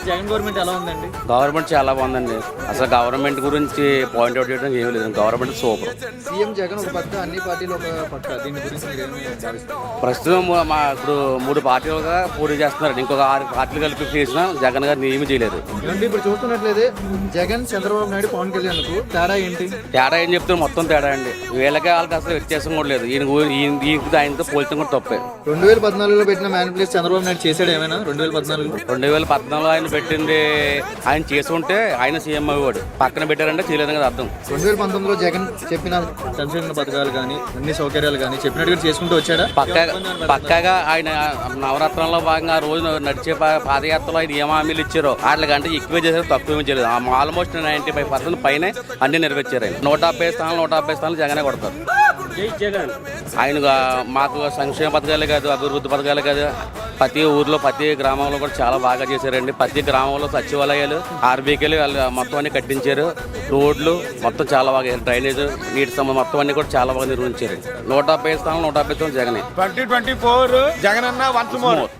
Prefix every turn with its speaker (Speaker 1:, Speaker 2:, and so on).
Speaker 1: Jagan government ఎలా ఉందండి?
Speaker 2: Government చాలా బాగుందండి. అసలు గవర్నమెంట్ గురించి పాయింట్అవుట్ చేయడం ఏమీ లేదు. Government super.
Speaker 1: సీఎం జగన్ ఒక పక్క, అన్ని పార్టీలు ఒక పక్క. దీని గురించి మీరేమి భావిస్తారు?
Speaker 2: ప్రస్తుతం ఇప్పుడు 3 పార్టీలుగా పోటీ చేస్తున్నారు. ఇంకొక 6 పార్టీలు కలిపి చేసినా జగన్ గారిని ఏమీ చేయలేదు.
Speaker 1: ఏమంటే ఇప్పుడు చూస్తున్నట్లయితే జగన్, చంద్రబాబు నాయుడు, పవన్ కళ్యాణ్ తేడా ఏంటి?
Speaker 2: తేడా ఏం చెప్తున్నారు? మొత్తం తేడా అండి. వీళ్ళకి వాళ్ళకి అసలు వ్యత్యాసం కూడా లేదు. ఈయనకి ఆయనతో పోల్చడం కూడా తప్పే.
Speaker 1: 2014లో పెట్టిన మేనిఫెస్టో చంద్రబాబు నాయుడు చేశాడు ఏమైనా?
Speaker 2: 2014 ఆయన పెట్టింది ఆయన చేసుకుంటే ఆయన సీఎం అయ్యేవాడు. పక్కన పెట్టారంటే చేయలేదని కదా అర్థం.
Speaker 1: 2019లో జగన్ చెప్పిన సంక్షేమ పథకాలు కానీ, అన్ని సౌకర్యాలు కానీ చెప్పినట్టుగా చేసుకుంటూ వచ్చాడా?
Speaker 2: పక్కాగా ఆయన నవరత్నంలో భాగంగా ఆ రోజు నడిచే పాదయాత్రలో ఆయన ఏం హామీలు ఇచ్చారో వాటికంటే ఎక్కువే చేశారు, తక్కువ చేయలేదు. ఆల్మోస్ట్ 95% పైన అన్ని నెరవేర్చారు. ఆయన 150 స్థానాలు జగనే కొడతారు. ఆయన మాకు సంక్షేమ పథకాలే కాదు, అభివృద్ధి పథకాలే కాదు, ప్రతి ఊర్లో ప్రతి గ్రామంలో కూడా చాలా బాగా చేశారండి. ప్రతి గ్రామంలో సచివాలయాలు, ఆర్బీకేలు మొత్తం అన్ని కట్టించారు. రోడ్లు మొత్తం చాలా బాగా, డ్రైనేజ్, నీటి సంబంధం మొత్తం అన్ని కూడా చాలా బాగా నిర్వహించారు. 150 స్థానాలు 150 జగనే.
Speaker 3: 2024 జగన్ అన్న వన్స్ మోర్.